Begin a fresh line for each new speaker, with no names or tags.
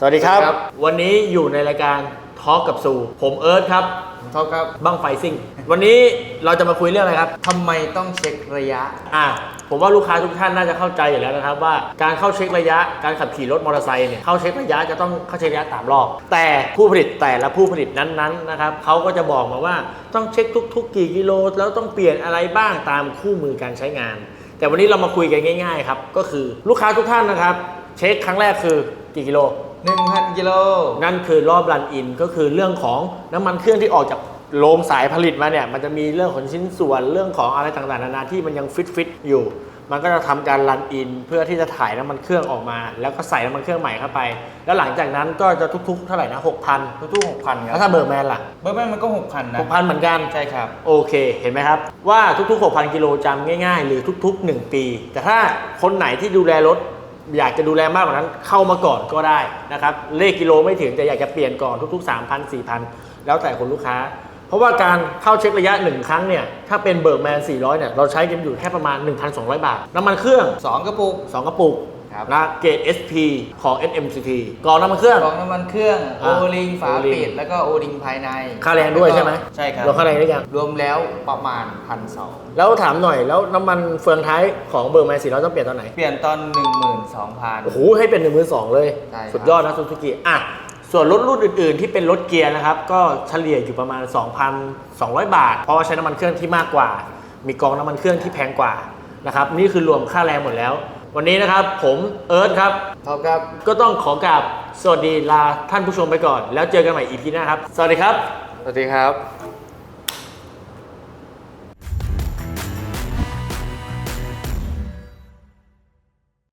สวัสดีครับวันนี้อยู่ในรายการทอล์กกับซูผมเอิร์ธครับ
ทอล์กครับ
บั้งไฟซิ่งวันนี้เราจะมาคุยเรื่องอะไรครับ
ทำไมต้องเช็คระยะ
ผมว่าลูกค้าทุกท่านน่าจะเข้าใจอยู่แล้วนะครับว่าการเข้าเช็คระยะการขับขี่รถมอเตอร์ไซค์เนี่ยเข้าเช็คระยะจะต้องเข้าเช็คระยะ3 รอบแต่ผู้ผลิตแต่ละผู้ผลิตนั้นๆนะครับเขาก็จะบอกมาว่าต้องเช็คทุกๆกี่กิโลแล้วต้องเปลี่ยนอะไรบ้างตามคู่มือการใช้งานแต่วันนี้เรามาคุยกันง่ายๆครับก็คือลูกค้าทุกท่านนะครับเช็คครั้งแรกคือกี่กิโล
1,000 กิโล
นั่นคือรอบรันอินก็คือเรื่องของน้ำมันเครื่องที่ออกจากโรงสายผลิตมาเนี่ยมันจะมีเรื่องของชิ้นส่วนเรื่องของอะไรต่างๆนานาที่มันยังฟิตอยู่มันก็จะทำการรันอินเพื่อที่จะถ่ายน้ำมันเครื่องออกมาแล้วก็ใส่น้ำมันเครื่องใหม่เข้าไปแล้วหลังจากนั้นก็จะทุกๆเท่าไหร่นะ 6,000
ทุกๆ 6,000 ครับ
แล้วถ้าเบอร์แมนล่ะ
เบอร์แมนมันก็ 6,000 นะ
6,000 เหมือนกัน
ใช่ครับ
โอเคเห็นไหมครับว่าทุกๆ 6,000 กิโลจำง่ายๆหรือทุกๆ 1 ปีแต่ถ้าคนไหนที่ดูแลรถอยากจะดูแลมากกว่านั้นเข้ามาก่อนก็ได้นะครับเลขกิโลไม่ถึงแต่อยากจะเปลี่ยนก่อนทุกๆ 3,000 4,000 แล้วแต่คนลูกค้าเพราะว่าการเข้าเช็คระยะ1ครั้งเนี่ยถ้าเป็นเบิร์กแมน400เนี่ยเราใช้กันอยู่แค่ประมาณ 1,200 บาทน้ำมันเครื่อง
2 กระปุก
นะเกรด SP ของ SMCT กรองน้ำมันเครื่อง
น้ำมันเครื่องโอลิงฝาปิดแล้วก็โอลิงภายใน
ค่าแรงด้วยใช่ไหม
ใช่ครับ
รวมค่าแรงได้ยัง
รวมแล้วประมาณ 1,200
แล้วถามหน่อยแล้วน้ำมันเฟืองท้ายของเบิร์กแมน400ต้องเปลี่ยนตอนไหน
เปลี่ยนตอน 12,000
โอ้โหให้เป็น 12,000 เลยสุดยอดนะซูซูกิส่วนรถรุ่นอื่นๆที่เป็นรถเกียร์นะครับก็เฉลี่ยอยู่ประมาณ 2,200 บาทเพราะว่าใช้น้ำมันเครื่องที่มากกว่ามีกองน้ำมันเครื่องที่แพงกว่านะครับนี่คือรวมค่าแรงหมดแล้ววันนี้นะครับผมเอิร์ธครับ
ครับ
ก็ต้องขอกราบสวัสดีลาท่านผู้ชมไปก่อนแล้วเจอกันใหม่ EP หน้าครับสวัสดีครับ
สวัสดีครับ